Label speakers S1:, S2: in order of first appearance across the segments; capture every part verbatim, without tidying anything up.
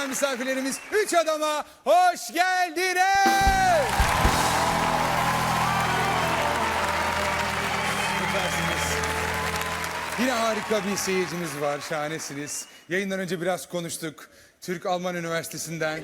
S1: değerli misafirlerimiz Üç Adam'a hoş geldiniz. Süpersiniz. Yine harika bir seyircimiz var, şahanesiniz. Yayından önce biraz konuştuk. Türk-Alman Üniversitesi'nden.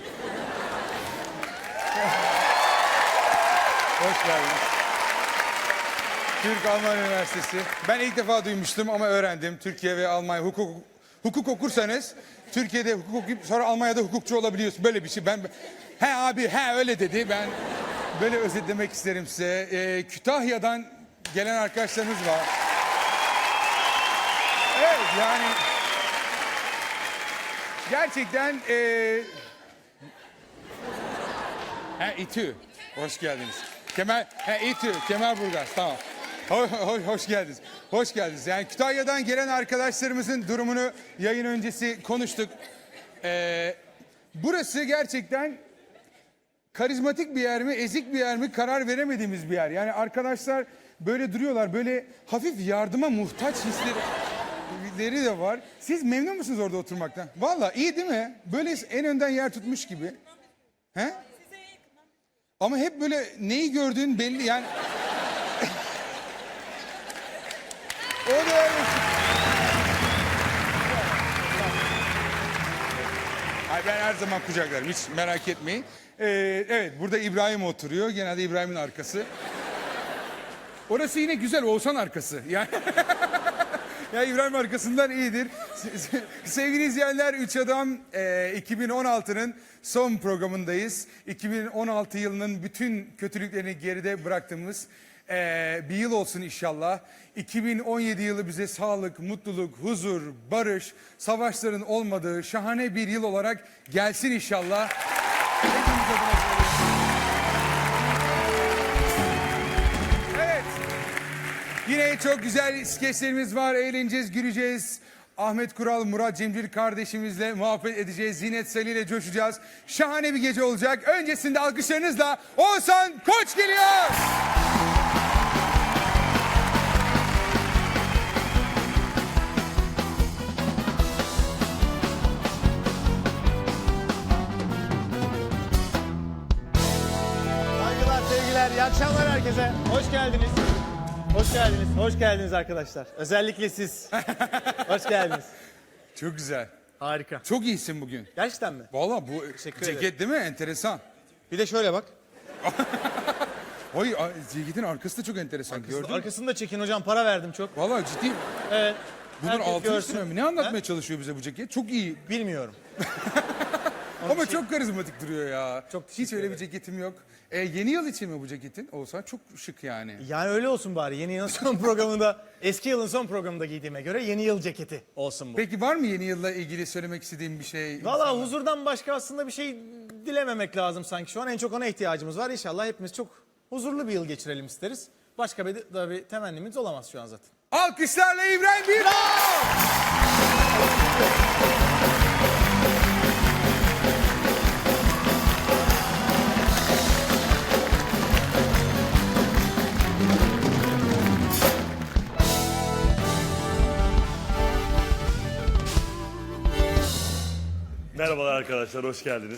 S1: Hoş geldiniz. Türk-Alman Üniversitesi. Ben ilk defa duymuştum ama öğrendim. Türkiye ve Almanya hukuk hukuk okursanız Türkiye'de hukuk okuyup sonra Almanya'da hukukçu olabiliyorsun. Böyle bir şey. Ben he abi he öyle dedi. Ben böyle özetlemek isterim size. Ee, Kütahya'dan gelen arkadaşlarımız var. Evet yani gerçekten ee... he İTÜ. Hoş geldiniz. Kemal he İTÜ, Kemalburgaz tamam. Hoş, hoş, hoş geldiniz. Hoş geldiniz. Yani Kütahya'dan gelen arkadaşlarımızın durumunu yayın öncesi konuştuk. Ee, burası gerçekten karizmatik bir yer mi, ezik bir yer mi karar veremediğimiz bir yer. Yani arkadaşlar böyle duruyorlar, böyle hafif yardıma muhtaç hisleri de var. Siz memnun musunuz orada oturmaktan? Vallahi iyi değil mi? Böyle en önden yer tutmuş gibi. He? Ama hep böyle neyi gördüğün belli yani. O da öyle. Ay ben her zaman kucaklarım, hiç merak etmeyin. Ee, evet, burada İbrahim oturuyor. Genelde İbrahim'in arkası. Orası yine güzel, Oğuzhan arkası. Yani ya İbrahim arkasından iyidir. Sevgili izleyenler, Üç Adam e, iki bin on altının son programındayız. iki bin on altı yılının bütün kötülüklerini geride bıraktığımız e, bir yıl olsun inşallah. iki bin on yedi yılı bize sağlık, mutluluk, huzur, barış, savaşların olmadığı şahane bir yıl olarak gelsin inşallah. Hepimiz adına yine çok güzel skeçlerimiz var. Eğleneceğiz, güleceğiz. Ahmet Kural, Murat Cemcir kardeşimizle muhabbet edeceğiz. Zinet Salih ile coşacağız. Şahane bir gece olacak. Öncesinde alkışlarınızla Oğuzhan Koç geliyor.
S2: Saygılar, sevgiler, iyi akşamlar herkese. Hoş geldiniz. Hoş geldiniz, hoş geldiniz arkadaşlar. Özellikle siz. Hoş geldiniz.
S1: Çok güzel.
S2: Harika.
S1: Çok iyisin bugün.
S2: Gerçekten mi?
S1: Vallahi bu
S2: Teşekkür
S1: ceket
S2: ederim.
S1: değil mi? Enteresan.
S2: Bir de şöyle bak.
S1: Oy, a- ceketin arkası da çok enteresan. Gördün mü?
S2: Arkasını da çekin hocam, para verdim çok.
S1: Vallahi ciddi.
S2: Evet.
S1: Bunun
S2: herkes
S1: altını
S2: görsün.
S1: sürüyor mu? Ne anlatmaya
S2: He?
S1: çalışıyor bize bu ceket? Çok iyi.
S2: Bilmiyorum.
S1: Ama çok karizmatik duruyor ya.
S2: Çok
S1: Hiç
S2: teşekkür
S1: öyle bir
S2: ederim.
S1: ceketim yok. E, yeni yıl için mi bu ceketin? Olsa çok şık yani.
S2: Yani öyle olsun bari. Yeni yılın son programında, eski yılın son programında giydiğime göre yeni yıl ceketi olsun bu.
S1: Peki var mı yeni yılla ilgili söylemek istediğim bir şey?
S2: Valla huzurdan başka aslında bir şey dilememek lazım sanki. Şu an en çok ona ihtiyacımız var. İnşallah hepimiz çok huzurlu bir yıl geçirelim isteriz. Başka bir, da bir temennimiz olamaz şu an zaten.
S1: Alkışlarla İbrahim Bilbao!
S3: Merhabalar arkadaşlar, hoş geldiniz.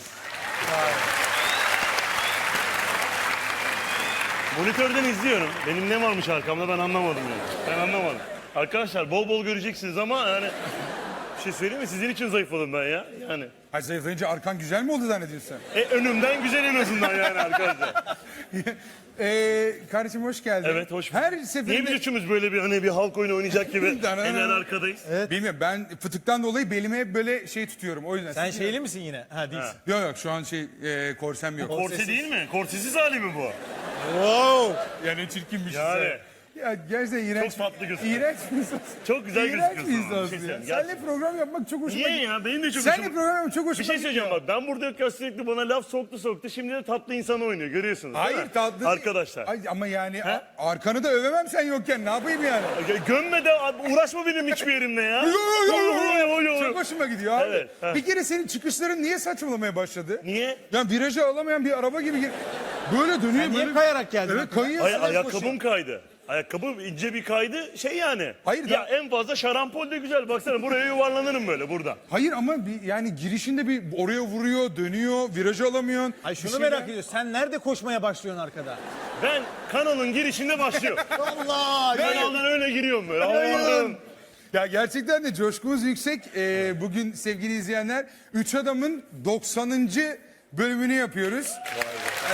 S3: Monitörden izliyorum. Benim ne varmış arkamda ben anlamadım yani. Ben anlamadım. Arkadaşlar bol bol göreceksiniz ama yani... Bir şey söyleyeyim mi? Sizin için zayıfladım ben ya. Yani.
S1: Ay zayıflayınca arkan güzel mi oldu zannediyorsun sen?
S3: E, önümden güzel en azından yani arkadaşlar.
S1: Ee, kardeşim hoş geldin.
S3: Evet, hoş bulduk.
S1: Her
S3: Niye biz
S1: seferinde...
S3: üçümüz böyle bir hani bir halk oyunu oynayacak gibi eller arkadayız?
S1: Bilmiyorum, ben fıtıktan dolayı belime hep böyle şey tutuyorum o yüzden.
S2: Sen şeyli misin yine? Ha değilsin.
S1: Yok yok şu an şey e, korsem yok.
S3: Korse değil mi? Korsesiz hali mi bu?
S2: Wow.
S1: Yani çirkinmiş.
S3: Yani.
S1: Ya gerçekten iğrenç.
S3: Çok tatlı gözüküyor.
S1: İğrenç bir insan.
S3: Çok güzel
S1: İğrenç
S3: gözüküyorsun
S1: bir
S3: ama, bir
S1: insansın
S3: şey
S1: ya.
S3: söyleyeyim,
S1: Seninle
S3: gerçekten.
S1: program yapmak çok hoşuma
S3: Niye ya? Benim de çok
S1: Seninle
S3: hoşuma-
S1: program yapmak çok hoşuma
S3: Bir şey
S1: gidiyor.
S3: söyleyeceğim bak, ben burada yokken sürekli bana laf soktu soktu, şimdi de tatlı insan oynuyor, görüyorsunuz değil
S1: Hayır
S3: mi?
S1: tatlı.
S3: Arkadaşlar.
S1: Ay, ama yani a- arkanı da övemem sen yokken, ne yapayım yani?
S3: Gö- Gömme de abi, uğraşma benim hiçbir yerimle ya.
S1: Yo, yo, yo, yo, yo.
S3: Yo, yo, yo.
S1: Çok hoşuma gidiyor abi.
S3: Evet, ha.
S1: Bir kere senin çıkışların niye saçmalamaya başladı?
S3: Niye?
S1: Yani virajı alamayan bir araba gibi gir- böyle dönüyor
S2: Sen niye
S1: böyle.
S2: kayarak geldin?
S1: Evet kayıyor.
S3: Ay,
S1: Sen
S3: ayakkabım kaydı. Ayakkabı ince bir kaydı şey yani.
S1: Hayır
S3: Ya
S1: da-
S3: en fazla şarampol de güzel. Baksana buraya yuvarlanırım böyle burada.
S1: Hayır ama bir, yani girişinde bir oraya vuruyor, dönüyor, virajı alamıyorsun.
S2: Ay
S1: Bir
S2: şunu
S1: şeyler-
S2: merak ediyorum. Sen nerede koşmaya başlıyorsun arkada?
S3: Ben kanalın girişinde başlıyorum.
S2: Allah!
S3: Kanaldan öyle giriyorum böyle. Allah'ım.
S1: Ya gerçekten de coşkumuz yüksek. Ee, bugün sevgili izleyenler Üç Adam'ın doksanıncı bölümünü yapıyoruz. Ee,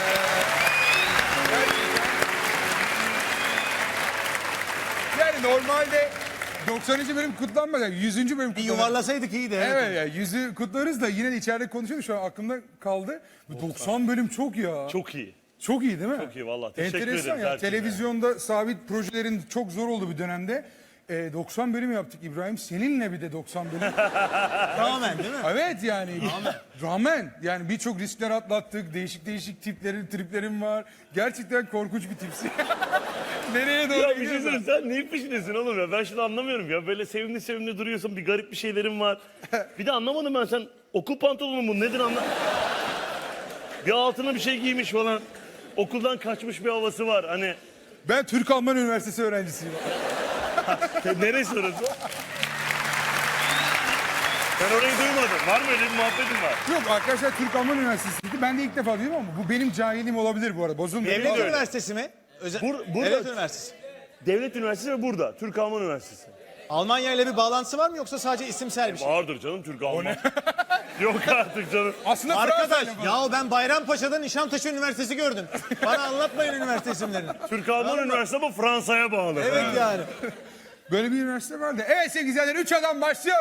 S1: yani normalde doksanıncı bölüm kutlanmaz. Yani yüzüncü bölüm
S2: Bir
S1: kutlanır.
S2: yuvarlasaydık iyiydi. Evet.
S1: Evet ya yüzü kutlarız da yine de içeride konuşuyoruz. Şu an aklımda kaldı. Bu doksan bölüm çok ya.
S3: Çok iyi.
S1: Çok iyi değil mi?
S3: Çok iyi vallahi. Teşekkür
S1: Enteresan
S3: ederiz
S1: ya.
S3: herkese.
S1: Televizyonda sabit projelerin çok zor olduğu bir dönemde e, doksan bölüm yaptık İbrahim. Seninle bir de doksan bölüm.
S2: Tamamen değil mi?
S1: Evet yani. Rağmen yani birçok riskler atlattık. Değişik değişik tiplerin, triplerim var. Gerçekten korkunç bir tipsin. Nereye doğru
S3: Ya bir şey
S1: gidiyorsun?
S3: söyleyeyim, sen neyin peşindesin oğlum ya? Ben şunu anlamıyorum ya. Böyle sevimli sevimli duruyorsun. Bir garip bir şeylerin var. Bir de anlamadım ben, sen okul pantolonu mu nedir anla... Bir altına bir şey giymiş falan. Okuldan kaçmış bir havası var. Hani
S1: Ben Türk-Alman Üniversitesi öğrencisiyim.
S3: te- neresi orası? Ben orayı duymadım. Var mı öyle bir muhabbetin var?
S1: Yok arkadaşlar Türk-Alman Üniversitesi'ydi. Ben de ilk defa duydum ama bu benim cahilim olabilir bu arada. Bozulmuyor.
S2: Devlet
S3: öyle.
S2: Üniversitesi mi? Özel...
S3: Bur- burada-
S2: Devlet Üniversitesi.
S3: Devlet Üniversitesi ve burada. Türk-Alman Üniversitesi.
S2: Almanya ile bir bağlantısı var mı yoksa sadece isimsel bir şey?
S3: Vardır canım Türk-Alman. Yok artık canım.
S1: Aslında
S2: Arkadaş
S1: Fransa'yla falan.
S2: ya ben Bayrampaşa'da Nişantaşı Üniversitesi gördüm. Bana anlatmayın üniversite isimlerini.
S3: Türk-Alman Üniversitesi ama Fransa'ya bağlı.
S2: Evet yani.
S1: Böyle bir üniversite vardı. Evet sevgili izleyenler üç adam başlıyor.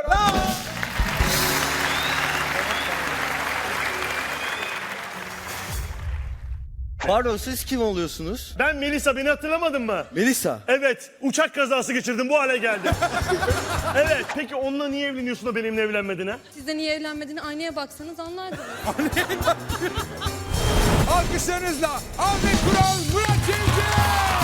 S4: Pardon, siz kim oluyorsunuz?
S3: Ben Melisa, beni hatırlamadın mı?
S4: Melisa.
S3: Evet, uçak kazası geçirdim, bu hale geldim. Evet, peki onunla niye evleniyorsun da benimle evlenmedin ha?
S5: Siz de niye evlenmediğini aynaya baksanız anlardınız.
S1: Alkışlarınızla Ahmet Kural, Murat Cemcir.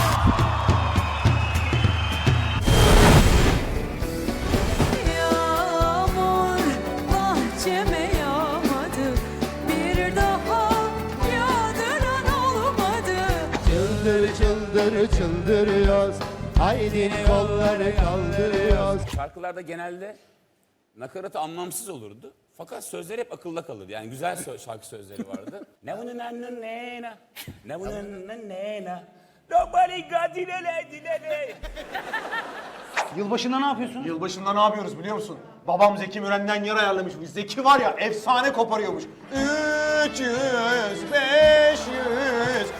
S6: Yağmur bahçeme yağmadı, bir daha yağdıran olmadı.
S7: Çıldır çıldır çıldırıyoruz. Haydi kolları kaldırıyoruz.
S8: Şarkılarda genelde nakaratı anlamsız olurdu. Fakat sözler hep akılda kalırdı. Yani güzel sö- şarkı sözleri vardı. Ne bunun annın nena, ne bunun nena. Nobody got dilele dilele.
S9: Yılbaşında ne yapıyorsun?
S10: Yılbaşında ne yapıyoruz biliyor musun? Babam Zeki Müren'den yer ayarlamış. Zeki var ya efsane koparıyormuş. üç yüz, beş yüz.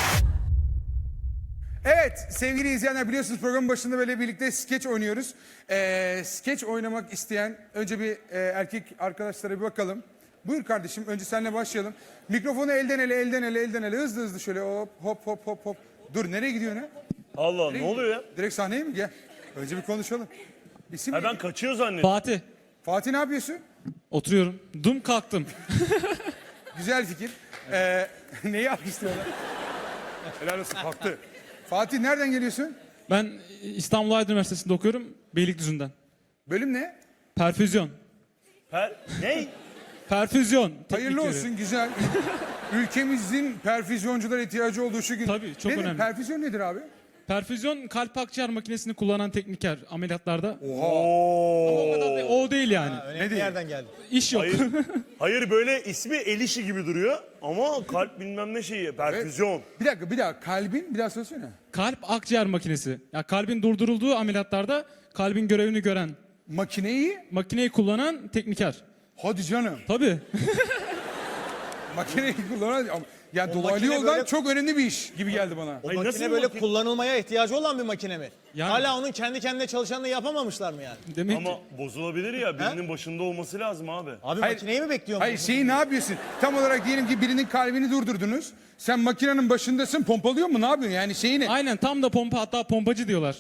S1: Evet sevgili izleyenler biliyorsunuz programın başında böyle birlikte skeç oynuyoruz. Ee, skeç oynamak isteyen önce bir e, erkek arkadaşlara bir bakalım. Buyur kardeşim önce seninle başlayalım. Mikrofonu elden ele elden ele elden ele hızlı hızlı şöyle hop hop hop hop hop. Dur nereye gidiyorsun ha?
S3: Allah, ne oluyor ya?
S1: Direkt sahneye mi? Gel. Önce bir konuşalım. İsim
S3: Ha,
S1: ne?
S3: ben kaçıyor zannettim.
S9: Fatih.
S1: Fatih ne yapıyorsun?
S9: Oturuyorum. Dum kalktım.
S1: Güzel fikir. Ee, neyi alkışlıyorlar? Helal olsun kalktı. Fatih nereden geliyorsun?
S9: Ben İstanbul Aydın Üniversitesi'nde okuyorum. Beylikdüzü'nden.
S1: Bölüm ne?
S9: Perfüzyon.
S3: Per... Ne?
S9: Perfüzyon.
S1: Hayırlı
S9: teknikleri.
S1: olsun güzel. Ülkemizin perfüzyonculara ihtiyacı olduğu şu gün.
S9: Tabii, çok
S1: Nedir?
S9: önemli.
S1: Perfüzyon nedir abi?
S9: Perfüzyon kalp akciğer makinesini kullanan tekniker ameliyatlarda.
S1: Oha.
S9: O kadar da- o değil yani.
S2: Önemli bir yerden geldi.
S9: İş yok.
S3: Hayır, hayır böyle ismi el işi gibi duruyor ama kalp bilmem ne şeyi, perfüzyon.
S1: Bir dakika bir dakika kalbin bir daha söylesene.
S9: Kalp akciğer makinesi. Ya kalbin durdurulduğu ameliyatlarda kalbin görevini gören
S1: Makineyi
S9: makineyi kullanan tekniker.
S1: hadi canım.
S9: Tabii.
S1: Makineyi kullanan ya
S2: O
S1: dolaylı
S2: makine
S1: yoldan
S2: böyle-
S1: çok önemli bir iş gibi geldi bana.
S3: Ay,
S2: Makine
S3: nasıl
S2: böyle
S3: makine-
S2: kullanılmaya ihtiyacı olan bir makine mi?
S9: Yani-
S2: Hala onun kendi kendine çalışanını yapamamışlar mı yani?
S9: Demek
S3: Ama
S9: ki
S3: bozulabilir ya, birinin başında olması lazım abi.
S2: Abi
S1: Hayır.
S2: makineyi mi bekliyor
S1: Hayır
S2: musun?
S1: şeyi ne yapıyorsun? Tam olarak diyelim ki birinin kalbini durdurdunuz. Sen makinenin başındasın pompalıyor mu ne yapıyorsun yani şeyi ne?
S9: aynen tam da pompa, hatta pompacı diyorlar.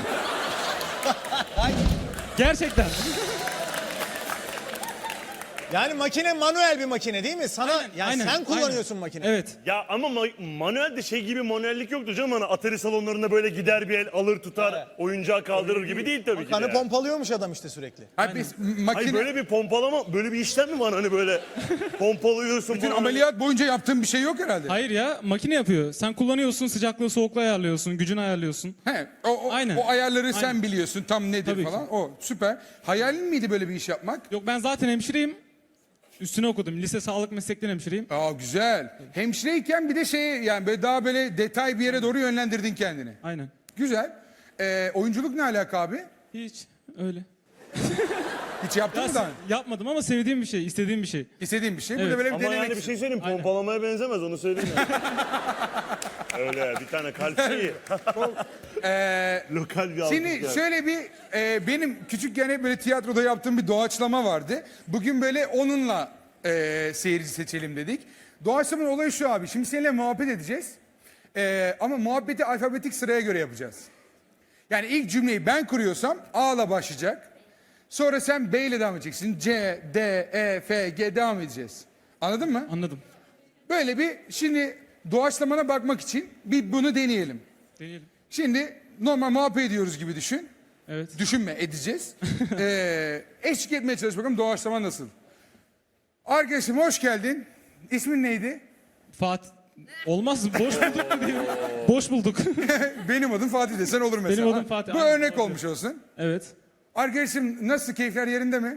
S9: Gerçekten.
S2: Yani makine manuel bir makine değil mi? Sana yani
S9: Aynen,
S2: sen kullanıyorsun
S9: aynen.
S2: makine.
S9: Evet.
S3: Ya ama ma- manuelde şey gibi manuellik yoktur canım. Hani Atari salonlarında böyle gider bir el alır tutar oyuncağı kaldırır gibi değil tabii ki de.
S2: Kanı
S3: yani.
S2: pompalıyormuş adam işte sürekli.
S1: Hayır, biz makine...
S3: Hayır böyle bir pompalama, böyle bir işlem mi var hani böyle pompalıyorsun
S1: Bütün
S3: falan.
S1: ameliyat boyunca yaptığın bir şey yok herhalde.
S9: Hayır ya makine yapıyor. Sen kullanıyorsun, sıcaklığı soğukluğu ayarlıyorsun, gücünü ayarlıyorsun.
S1: He, o, o,
S9: Aynen.
S1: o ayarları sen
S9: Aynen.
S1: biliyorsun tam nedir
S9: Tabii ki.
S1: falan. O süper. Hayalin miydi böyle bir iş yapmak?
S9: Yok ben zaten hemşireyim. Üstüne okudum. Lise sağlık meslekleri hemşireyim.
S1: Aa güzel. Hemşireyken bir de şey yani böyle daha böyle detay bir yere doğru yönlendirdin kendini.
S9: Aynen.
S1: Güzel. Ee, oyunculuk ne alaka abi?
S9: Hiç öyle.
S1: Hiç yaptın
S9: Ya,
S1: mı daha?
S9: yapmadım ama sevdiğim bir şey, istediğim bir şey.
S1: İstediğin bir şey. Burada
S9: Evet.
S1: böyle bir
S3: Ama
S1: denemek
S3: yani bir şey
S1: istedim.
S3: söyleyeyim
S9: Aynen.
S3: pompalamaya benzemez onu söyleyeyim ya. Öyle bir tane kalp şeyi.
S1: Ee,
S3: Lokal bir algı
S1: Şimdi
S3: yani.
S1: şöyle bir e, benim küçükken hep böyle tiyatroda yaptığım bir doğaçlama vardı. Bugün böyle onunla e, seyirci seçelim dedik. Doğaçlamanın olayı şu abi. Şimdi seninle muhabbet edeceğiz. E, ama muhabbeti alfabetik sıraya göre yapacağız. Yani ilk cümleyi ben kuruyorsam A'la başlayacak. Sonra sen B ile devam edeceksin. C, D, E, F, G devam edeceğiz. Anladın mı?
S9: Anladım.
S1: Böyle bir şimdi doğaçlamana bakmak için bir bunu deneyelim.
S9: Deneyelim.
S1: Şimdi normal muhabbet ediyoruz gibi düşün.
S9: Evet.
S1: Düşünme, edeceğiz. ee, eşlik etmeye çalış bakalım doğaçlama nasıl? Arkadaşım hoş geldin. İsmin neydi?
S9: Fatih. Olmaz. Boş bulduk mu diyeyim? Boş bulduk.
S1: Benim adım Fatih desen olur mesela.
S9: Benim adım
S1: Ha,
S9: Fatih,
S1: Bu
S9: aynen,
S1: örnek
S9: doğru.
S1: olmuş olsun.
S9: Evet.
S1: Arkadaşım nasıl, keyifler yerinde mi?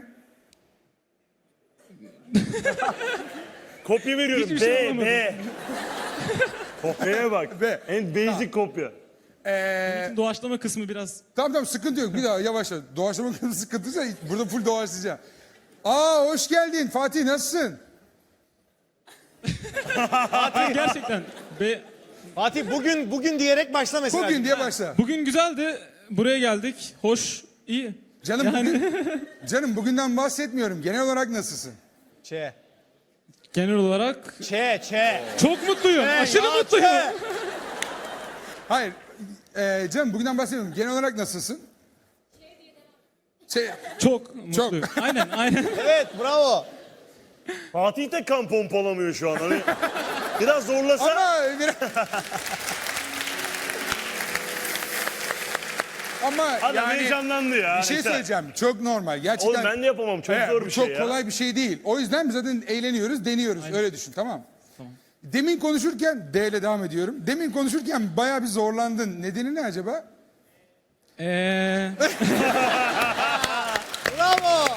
S3: Kopya veriyorum.
S9: Hiçbir şey
S3: B,
S9: anlamadım.
S3: B. Kopyaya bak.
S1: B.
S3: En basic kopya.
S1: Ee,
S9: Doğaçlama kısmı biraz.
S1: tamam tamam sıkıntı yok. Bir daha yavaşla. Doğaçlama kısmı sıkıntıysa burada full doğaçlayacağım. Aa hoş geldin Fatih, nasılsın?
S9: Gerçekten. Be,
S2: Fatih bugün bugün diyerek başla mesela.
S1: Bugün diye başla.
S9: bugün güzeldi. Buraya geldik. Hoş. iyi.
S1: Canım
S9: Yani-
S1: bugün, canım bugünden bahsetmiyorum. Genel olarak nasılsın?
S2: Ç.
S9: Genel olarak
S2: Ç, Ç.
S9: çok mutluyum. Aşırı
S2: ya,
S9: mutluyum.
S2: Ç.
S1: Hayır. Ee, canım bugünden bahsetmiyorum. Genel olarak nasılsın? Şey,
S9: Çok mutluyum. Aynen aynen.
S2: Evet bravo.
S3: Fatih de kan pompalamıyor şu an. Hani biraz zorlasa.
S1: ama biraz... Ama
S3: Adam
S1: yani
S3: heyecanlandı ya.
S1: bir şey
S3: Neyse.
S1: söyleyeceğim. Çok normal. Gerçekten.
S3: Oğlum ben de yapamam. Çok
S1: Evet,
S3: zor
S1: bu
S3: bir
S1: çok
S3: şey ya.
S1: kolay bir şey değil. O yüzden biz zaten eğleniyoruz, deniyoruz. Öyle düşün, tamam? Demin konuşurken D ile devam ediyorum. Demin konuşurken bayağı bir zorlandın. Nedeni ne acaba?
S9: Eee
S2: Bravo.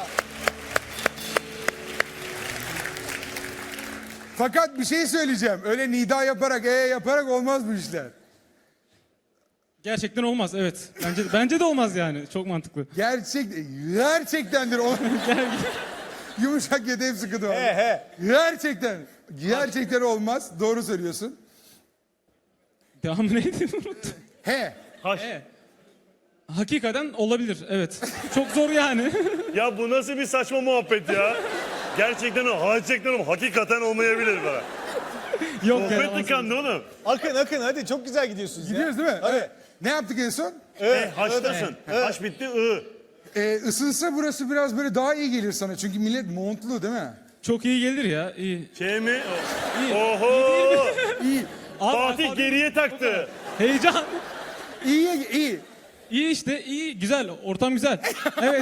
S1: Fakat bir şey söyleyeceğim. Öyle nida yaparak, e yaparak olmaz bu işler.
S9: gerçekten olmaz. Evet. Bence bence de olmaz yani. Çok mantıklı.
S1: Gerçek, gerçektendir. O... Yumuşak yedi hep sıkıntı var.
S2: He he.
S1: Gerçekten. Gerçekten olmaz. Doğru söylüyorsun.
S9: Devamı neydi? Unuttum.
S1: He.
S3: Haş.
S9: E. Hakikaten olabilir. Evet. Çok zor yani.
S3: Ya bu nasıl bir saçma muhabbet ya? Gerçekten o, gerçekten o, hakikaten olmayabilir bana.
S9: Yok ya.
S3: Sohbet tıkandı oğlum.
S2: Akın akın hadi çok güzel gidiyorsunuz
S1: Gidiyoruz
S2: ya.
S1: değil mi?
S2: Hadi.
S1: Evet. Ne yaptık en son?
S3: E, haştasın. Haş bitti, ı.
S1: Ee, ısınsa burası biraz böyle daha iyi gelir sana. Çünkü millet montlu değil mi?
S9: Çok iyi gelir ya. İyi.
S3: Şey mi?
S9: İyi.
S3: Oho!
S1: İyi.
S9: Abi,
S3: Fatih
S9: abi,
S3: geriye taktı.
S9: Heyecan.
S1: İyi, iyi.
S9: İyi işte. iyi. Güzel. Ortam güzel. Evet.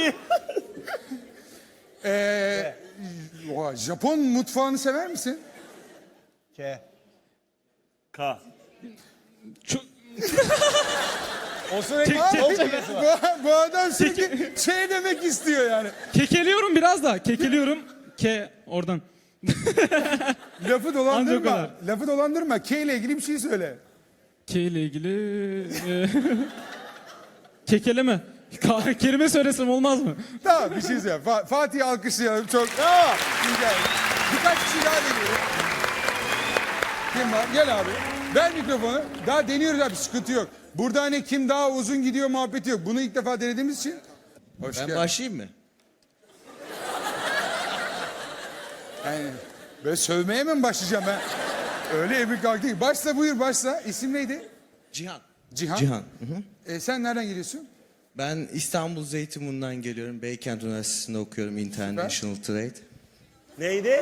S1: Ee, oha, Japon mutfağını sever misin?
S2: K.
S3: K.
S9: Çok,
S2: O sürekli
S9: Tek-
S2: çok
S1: Bu,
S2: çekesi var.
S1: bu adam sürekli şey demek istiyor yani.
S9: kekeliyorum biraz da. Kekeliyorum. Ke oradan.
S1: Lafı
S9: Ancak o
S1: dolandırma.
S9: kadar.
S1: Lafı dolandırma. K ile ilgili bir şey söyle.
S9: Ke ile ilgili e, kekeleme. Ka- kelime söylesem olmaz mı?
S1: Tamam bir şey söyle. Fa- Fatih'i alkışlayalım. Çok
S2: Bravo.
S1: güzel. Birkaç kişi daha deniyor. Kim var? Gel abi. Ver mikrofonu. Daha deniyoruz abi. Sıkıntı yok. Burada hani kim daha uzun gidiyor muhabbeti yok. Bunu ilk defa denediğimiz için. Hoş
S4: Ben
S1: geldin.
S4: başlayayım mı?
S1: Yani böyle sövmeye mi başlayacağım ben? Öyle emir kalktı ki. Başla buyur başla. İsim neydi?
S4: Cihan.
S1: Cihan.
S4: Cihan. Hı hı.
S1: E, sen nereden geliyorsun?
S4: Ben İstanbul Zeytinburnu'ndan geliyorum. Beykent Üniversitesi'nde okuyorum International Trade.
S3: Neydi?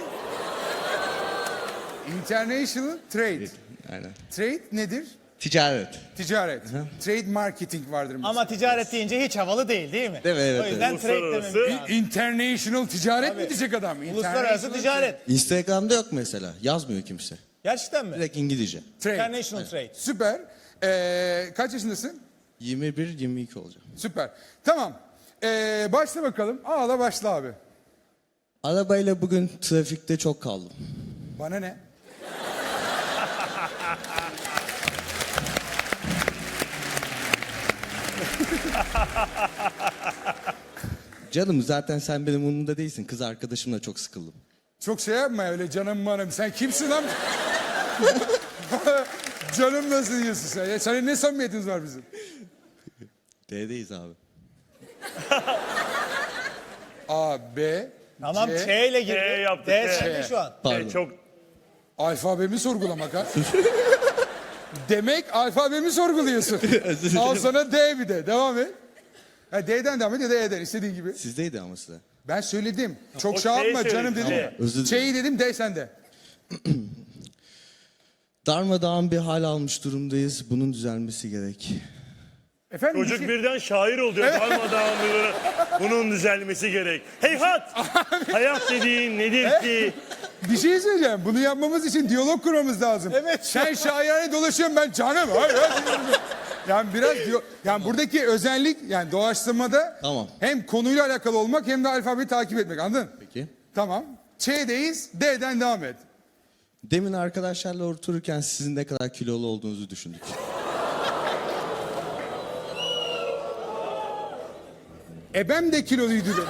S1: International Trade.
S4: Aynen.
S1: Trade nedir?
S4: Ticaret.
S1: Ticaret. Trade marketing vardır mesela.
S2: Ama ticaret deyince hiç havalı değil değil mi?
S4: Değil mi? Evet,
S2: O yüzden
S3: evet.
S2: trade
S3: Uluslararası-
S2: dememiz lazım.
S1: International ticaret mi diyecek adam?
S2: Uluslararası
S1: International
S2: ticaret.
S4: Instagram'da yok mesela. Yazmıyor kimse.
S2: Gerçekten mi?
S4: Direkt İngilizce.
S1: Trade.
S2: International trade.
S1: Süper. Ee, kaç yaşındasın?
S4: yirmi bir yirmi iki olacağım.
S1: Süper. Tamam. Ee, başla bakalım. Ağla başla abi.
S4: Arabayla bugün trafikte çok kaldım.
S1: Bana ne?
S4: Canım zaten sen benim umurumda değilsin. Kız arkadaşımla çok sıkıldım.
S1: Çok şey yapma öyle canım manım. Sen kimsin lan? Canım nasıl diyorsun sen? Ya senin ne samimiyetiniz var bizim?
S4: D'deyiz abi.
S1: A, B,
S2: Tamam
S1: C.
S2: Ç ile girdi.
S3: Ç yaptık,
S2: D
S3: Ç.
S2: sende şu an.
S4: Pardon.
S3: E, çok
S1: Alfabemi sorgulamak ha. Demek alfabemi sorguluyorsun. Al sana D bir de. Devam et. Ha, D'den devam et ya da E'den istediğin gibi.
S4: Sizdeydi ama size.
S1: Ben söyledim. Çok
S3: O
S1: şey
S3: C'yi
S1: yapma
S3: söyledi,
S1: canım dedim.
S3: C.
S4: Özür dilerim.
S1: Ç'yi dedim D sende.
S4: Darmadağın bir hal almış durumdayız. Bunun düzelmesi gerek.
S1: Efendim bir
S3: çocuk
S1: şey-
S3: birden şair oluyor. Darmadağın bir- bunun düzelmesi gerek. Heyhat! Hayat dediğin nedir ki?
S1: Bir şey söyleyeceğim. Bunu yapmamız için diyalog kurmamız lazım.
S2: Evet.
S1: Sen şairane dolaşıyorsun ben canım. Hayır, hayır. Yani biraz diyor, yani buradaki özellik yani doğaçlamada
S4: Tamam.
S1: hem konuyla alakalı olmak hem de alfabeyi takip etmek anladın?
S4: Peki.
S1: Tamam. Ç'deyiz. D'den devam et.
S4: Demin arkadaşlarla otururken sizin ne kadar kilolu olduğunuzu düşündük.
S1: Ebem de kiloluydu dedi.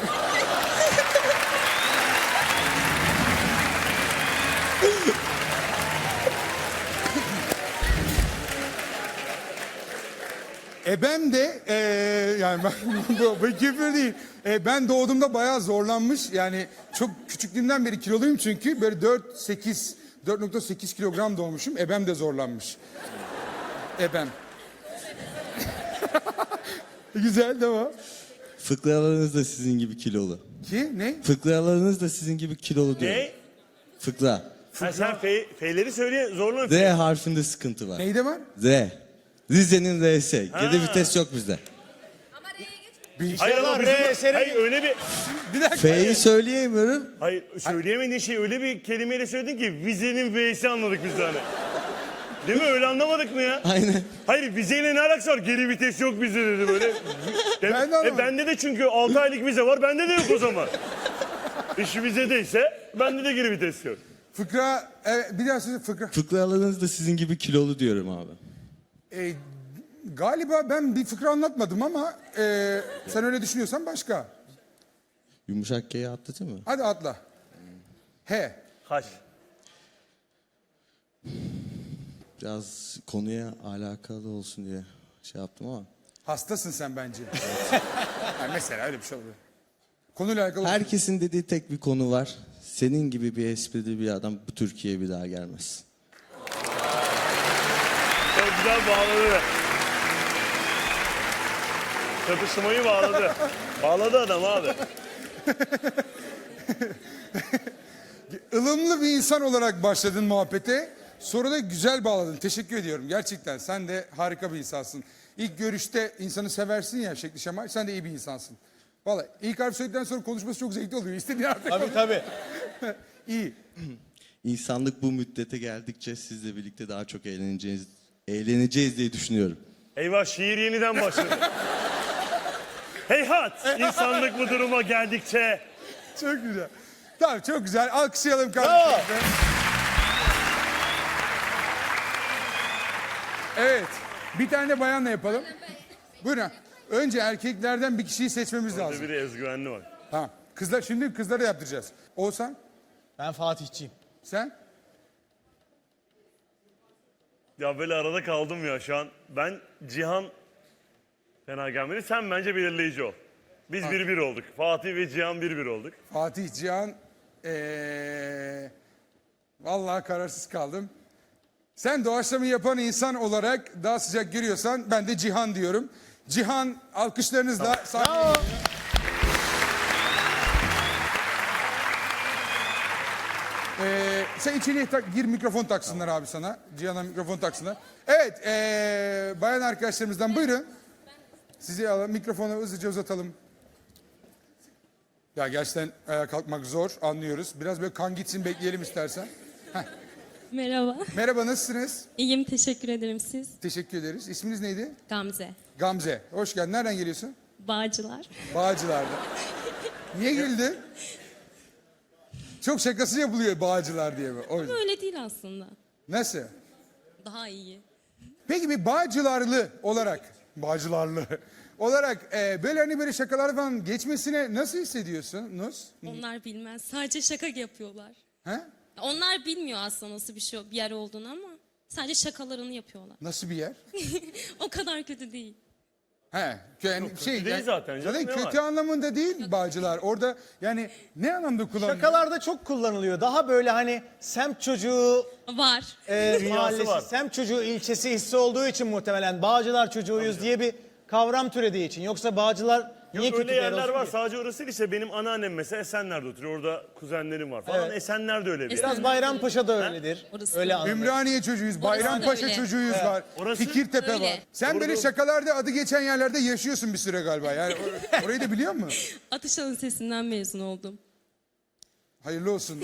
S1: Ebem de eee yani ben, bu, bu küfür değil. E, ben doğduğumda bayağı zorlanmış. Yani çok küçüklüğümden beri kiloluyum çünkü. Böyle dört sekiz dört nokta sekiz kilogram doğmuşum. Ebem de zorlanmış. Ebem. Güzel tamam.
S4: Fıkralarınız da sizin gibi kilolu.
S1: Ki ne?
S4: Fıkralarınız da sizin gibi kilolu diyor.
S3: Ne?
S4: Fıkra.
S3: Ha, sen fe, fe'leri söyle zorla.
S4: Z harfinde sıkıntı var.
S1: Neyde var?
S4: Z. Rize'nin R'si. Geri vites yok bizde.
S3: Hayır ama
S2: İnşallah
S3: bizim,
S2: R eseri-
S3: hayır öyle bir,
S1: Bir dakika.
S4: F'yi söyleyemiyorum.
S3: hayır söyleyemediğin şey öyle bir kelimeyle söyledin ki vizenin V'si anladık biz de hani. Değil mi? Öyle anlamadık mı ya?
S4: Aynen.
S3: Hayır vizeyle ne alakası var? Geri vites yok bizde dedi böyle.
S1: Ben de
S3: e,
S1: anlamadım.
S3: bende de çünkü altı aylık vize var. Bende de yok o zaman. İş vizedeyse bende de geri vites yok.
S1: Fıkra, evet, bir daha söyle fıkra.
S4: Fıkralarınız da sizin gibi kilolu diyorum abi.
S1: E, galiba ben bir fıkra anlatmadım ama e, sen öyle düşünüyorsan başka.
S4: Yumuşak G'yi atlatır mı?
S1: Hadi atla. He.
S3: Haş.
S4: Biraz konuya alakalı olsun diye şey yaptım ama.
S1: Hastasın sen bence. Yani mesela öyle bir şey oluyor. Konuyla alakalı.
S4: Herkesin dediği tek bir konu var. Senin gibi bir esprili bir adam bu Türkiye'ye bir daha gelmez.
S3: Çok güzel bağladı. Çatışmayı bağladı. Bağladı adam abi.
S1: ılımlı bir insan olarak başladın muhabbete. Sonra da güzel bağladın. Teşekkür ediyorum. Gerçekten sen de harika bir insansın. İlk görüşte insanı seversin ya şekli şemal. Sen de iyi bir insansın. Vallahi ilk harf söyledikten sonra konuşması çok zevkli oluyor. İstediğin harfe
S2: Tabii tabii.
S1: İyi.
S4: İnsanlık bu müddete geldikçe sizle birlikte daha çok eğleneceğiz, eğleneceğiz diye düşünüyorum.
S3: Eyvah şiir yeniden başladı. Heyhat! İnsanlık bu duruma geldikçe.
S1: Çok güzel. Tamam çok güzel. Alkışlayalım kardeşim. Evet. Bir tane de bayanla yapalım. Buyurun. Önce erkeklerden bir kişiyi seçmemiz lazım.
S3: Biri özgüvenli var.
S1: Tamam. Kızlar şimdi kızlara yaptıracağız. Oğuzhan
S2: Ben Fatihçiyim.
S1: sen?
S3: Ya böyle arada kaldım ya şu an. Ben Cihan fena gelmedi. Sen bence belirleyici ol. Biz bir bir olduk. Fatih ve Cihan bir bir olduk.
S1: Fatih, Cihan. Ee, vallahi kararsız kaldım. Sen doğaçlamayı yapan insan olarak daha sıcak görüyorsan ben de Cihan diyorum. Cihan alkışlarınızla sahneye geliyor. Ee, sen içeriye tak, gir mikrofon taksınlar abi sana. Cihan'a mikrofon taksınlar. Evet ee, bayan arkadaşlarımızdan buyurun. Sizi alalım mikrofonu hızlıca uzatalım. Ya gerçekten ayağa kalkmak zor anlıyoruz. Biraz böyle kan gitsin bekleyelim istersen.
S5: Merhaba.
S1: Merhaba nasılsınız?
S5: İyiyim, teşekkür ederim. Siz?
S1: Teşekkür ederiz. İsminiz neydi?
S5: Gamze.
S1: Gamze. Hoş geldin. Nereden geliyorsun?
S5: Bağcılar.
S1: Bağcılar'da. Niye güldün? Çok şakası yapılıyor Bağcılar diye mi? O yüzden.
S5: Öyle değil aslında.
S1: Nasıl?
S5: Daha iyi.
S1: Peki bir Bağcılarlı olarak, Bağcılarlı olarak e, böyle hani böyle şakalar falan geçmesine nasıl hissediyorsunuz?
S5: Onlar bilmez. Sadece şaka yapıyorlar.
S1: He?
S5: Onlar bilmiyor aslında nasıl bir şey bir yer olduğunu ama sadece şakalarını yapıyorlar.
S1: Nasıl bir yer?
S5: O kadar kötü değil.
S1: He, yani
S3: kötü
S1: şey
S3: değil zaten canım, ne
S1: kötü
S3: var?
S1: anlamında değil Bağcılar. Orada yani ne anlamda kullanılıyor?
S2: Şakalarda çok kullanılıyor. Daha böyle hani semt çocuğu
S5: Var.
S2: e,
S3: Dünyası
S2: mahallesi,
S3: var.
S2: semt çocuğu ilçesi hissi olduğu için muhtemelen Bağcılar çocuğuyuz diye bir kavram türediği için. Yoksa Bağcılar niye
S3: Yok
S2: kötü
S3: öyle
S2: bir yer
S3: yerler
S2: olsun
S3: var.
S2: ki?
S3: Sadece orası değil işte. Benim anneannem mesela Esenler'de oturuyor. Orada kuzenlerim var falan.
S2: Evet.
S3: Esenler'de öyle bir yer.
S2: Biraz Bayrampaşa da öyledir.
S5: Orası
S2: Öyle
S5: da.
S2: anladım.
S1: Ümraniye çocuğuyuz, Bayrampaşa
S5: öyle.
S1: çocuğuyuz var,
S3: Orası-
S1: Fikirtepe
S5: Öyle.
S1: var. Sen böyle şakalarda adı geçen yerlerde yaşıyorsun bir süre galiba. Yani or- orayı da biliyor musun?
S5: Atışan Lisesi'nden mezun oldum.
S1: Hayırlı olsun.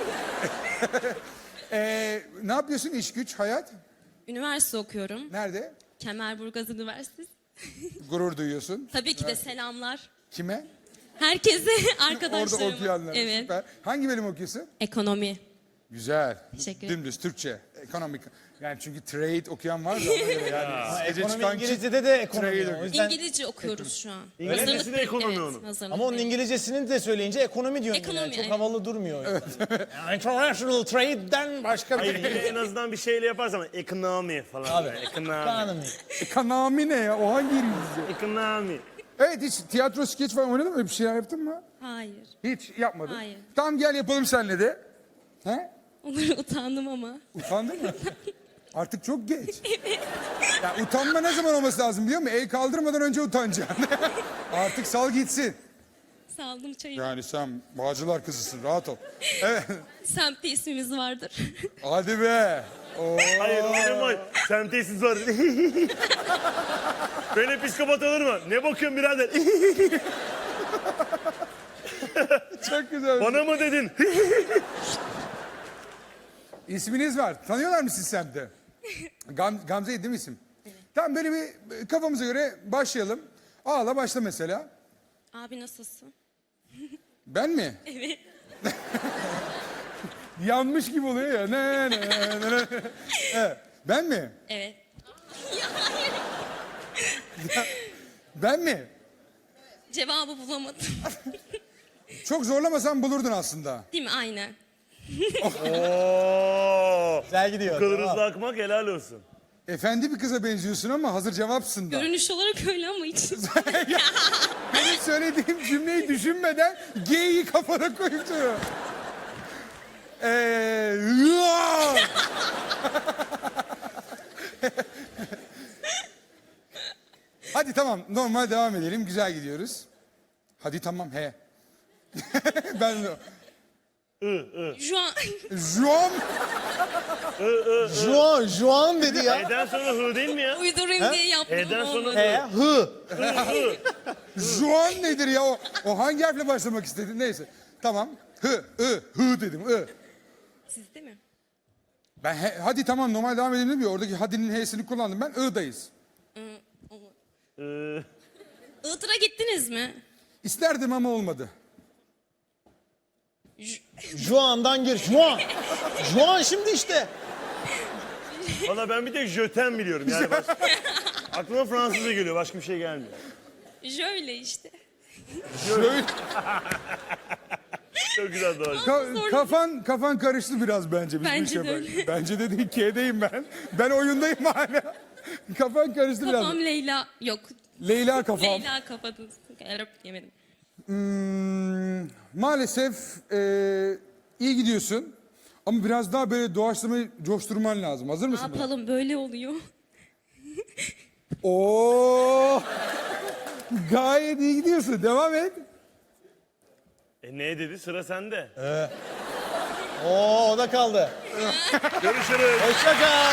S1: Ee, ne yapıyorsun iş güç, hayat?
S5: Üniversite okuyorum.
S1: Nerede?
S5: Kemerburgaz Üniversitesi.
S1: Gurur duyuyorsun.
S5: Tabii ki de selamlar.
S1: Kime?
S5: Herkese,
S1: Orada
S5: arkadaşlarıma.
S1: okuyanlara.
S5: Evet.
S1: Süper. Hangi bölüm okuyorsun?
S5: Ekonomi.
S1: Güzel.
S5: Teşekkür ederim.
S1: Dümdüz Türkçe, ekonomik. Yani çünkü trade okuyan var da ona göre yani. Gece
S2: Ekonomi
S1: çıkan
S2: İngilizce'de de ekonomi.
S1: Trade
S2: O yüzden...
S5: İngilizce okuyoruz şu an.
S3: İngilizcesi
S5: Hazırlık
S3: de
S5: bir-
S3: ekonomi
S5: evet,
S3: onun.
S5: hazırlık
S2: Ama onun
S5: bir-
S2: İngilizcesini de söyleyince ekonomi diyorsun.
S5: Ekonomi,
S2: yani. Çok
S5: evet.
S2: havalı durmuyor. Yani international trade'den başka bir
S3: Hayır
S2: şey.
S3: yine en azından bir şeyle yaparsan ekonomi falan.
S2: Abi,
S3: böyle, Ekonomi.
S2: Ekonomi.
S1: Ekonomi ne ya? O hangi İngilizce?
S3: Ekonomi.
S1: Evet hiç tiyatro, skeç falan oynadın mı? Öyle bir şeyler yaptın mı?
S5: Hayır.
S1: Hiç yapmadın.
S5: Hayır.
S1: Tamam gel yapalım seninle de. He?
S5: Onları utandım ama.
S1: Utandın mı? Artık çok geç. Ya utanma ne zaman olması lazım biliyor musun? El kaldırmadan önce utanacaksın. Artık sal gitsin.
S5: Saldım çayı.
S1: Yani sen Bağcılar kızısın rahat ol. Evet.
S5: Semtte ismimiz vardır.
S1: Hadi be. Oo.
S3: Hayır hocam hayır. Sen tesis var. Böyle psikopat olur mu? Ne bakıyorsun birader?
S1: Çok güzel.
S3: Bana mı dedin?
S1: İsminiz var. Tanıyorlar mı siz semtte? Gam Gamze değil mi isim? Tamam böyle bir kafamıza göre başlayalım. Ağla başla mesela.
S5: Abi nasılsın?
S1: Ben mi?
S5: Evet.
S1: Yanmış gibi oluyor ya. Ne, ne, ne, ne. Evet. Ben mi?
S5: Evet.
S1: Ben mi?
S5: Cevabı bulamadım.
S1: Çok zorlamasan bulurdun aslında.
S5: Değil mi? Aynen.
S3: Oo.
S2: Güzel gidiyor.
S3: Bu kadar
S2: Tamam.
S3: hızlı akmak helal olsun.
S1: Efendi bir kıza benziyorsun ama hazır cevapsın da.
S5: Görünüş olarak öyle ama hiç.
S1: Benim söylediğim cümleyi düşünmeden G'yi kafana koyup duruyor. Eee... hıa! Hadi tamam normal devam edelim. Güzel gidiyoruz. Hadi tamam he. Ben
S5: Şu an
S1: Juan
S2: Juan, Juan dedi ya.
S3: E'den sonra hı değil mi ya?
S5: uydurayım diye yaptım
S3: E'den
S5: ama
S3: sonra
S5: olmadı.
S2: He, hı.
S1: Juan nedir ya o? O hangi harfle başlamak istedin? Neyse. Tamam. Hı, ı, hı dedim. ı.
S5: Siz değil mi?
S1: Ben he- hadi tamam normal devam edelim dedim ya. Oradaki hadinin h'sini kullandım ben. I'dayız.
S5: Ee, olmadı.
S3: Ee,
S5: Iğdır'a gittiniz mi?
S1: İsterdim ama olmadı.
S2: Juan'dan gir. Juan. Juan şimdi işte.
S3: Valla ben bir tek jöten biliyorum. Yani baş... Aklıma Fransızca geliyor. Başka bir şey gelmiyor.
S5: Şöyle işte.
S1: Şöyle,
S3: Çok güzel doğru.
S1: ka- kafan kafan karıştı biraz bence. Biz bu
S5: Bence
S1: işe
S5: de
S1: bak-
S5: öyle.
S1: Bence de değil. K'deyim ben. Ben oyundayım hala. Kafan karıştı biraz.
S5: Kafam Leyla. Yok.
S1: Leyla kafam.
S5: Leyla kapadınız. Erap yemedim.
S1: Hmm, maalesef eee, iyi gidiyorsun. Ama biraz daha böyle doğaçlamayı coşturman lazım. Hazır
S5: Ne
S1: mısın? buna?
S5: yapalım böyle oluyor.
S1: Oo! Gayet iyi gidiyorsun. Devam et.
S3: E ne dedi? Sıra sende.
S2: Oo o da kaldı.
S3: Görüşürüz.
S2: Hoşça kal.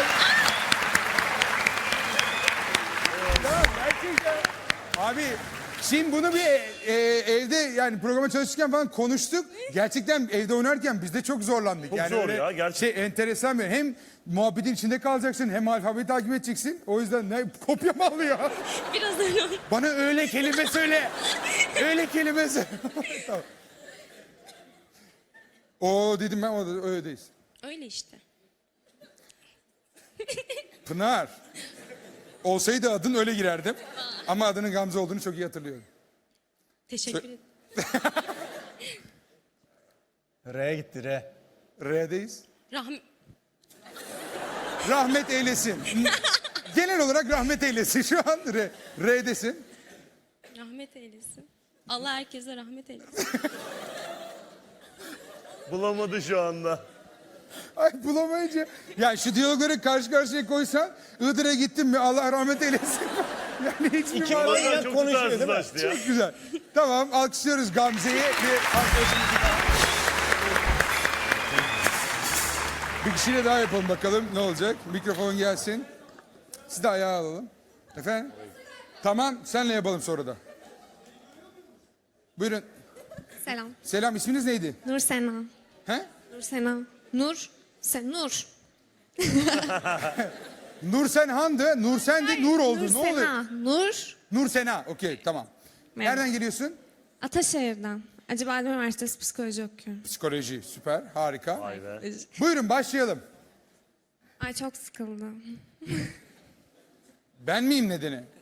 S1: Gerçekten. Abi şimdi bunu bir e, evde yani programa çalışırken falan konuştuk. Gerçekten evde oynarken biz de çok zorlandık.
S3: Çok
S1: yani
S3: zor
S1: öyle
S3: ya, gerçekten.
S1: Şey enteresan bir hem muhabbetin içinde kalacaksın hem alfabeyi takip edeceksin. O yüzden ne kopya mı alıyor?
S5: Biraz öyle oldu.
S1: Bana öyle kelime söyle. Öyle kelime söyle. Tamam. O dedim ben o da öyledeyiz.
S5: Öyle işte.
S1: Pınar. Olsaydı adın öyle girerdim. Ama adının Gamze olduğunu çok iyi hatırlıyorum.
S5: Teşekkür ederim.
S2: R'ye gitti R.
S1: R'deyiz.
S5: Rahm
S1: Rahmet eylesin. Genel olarak rahmet eylesin şu an. R, R'desin.
S5: rahmet eylesin. Allah herkese rahmet eylesin.
S3: Bulamadı şu anda.
S1: Ay bulamayınca. Ya şu diyalogları karşı karşıya koysan Iğdır'a gittin mi Allah rahmet eylesin. Yani hiçbir
S2: İki
S1: var.
S2: manyak
S3: Çok
S2: konuşuyor değil mi?
S3: tutarsızlaştı ya.
S1: Çok güzel. Tamam alkışlıyoruz Gamze'yi. Bir arkadaşımızı daha. Bir kişiyle daha yapalım bakalım ne olacak. Mikrofon gelsin. Siz de ayağa alalım. Efendim? Tamam senle yapalım sonra da. Buyurun.
S6: Selam.
S1: Selam isminiz neydi?
S6: Nur Sena.
S1: He?
S6: Nur Sena. Nur. Sen Nur.
S1: Nursen Han'dı. Nursen'di. Nur oldu.
S6: Nur
S1: Ne oluyor?
S6: Sena. Nur.
S1: Nur Sena. Okey tamam.
S6: Merhaba.
S1: Nereden geliyorsun?
S6: Ataşehir'den. Acıbadem Üniversitesi psikoloji okuyorum.
S1: Psikoloji. Süper. Harika.
S3: Vay be.
S1: Buyurun başlayalım.
S6: Ay çok sıkıldım.
S1: Ben miyim nedeni?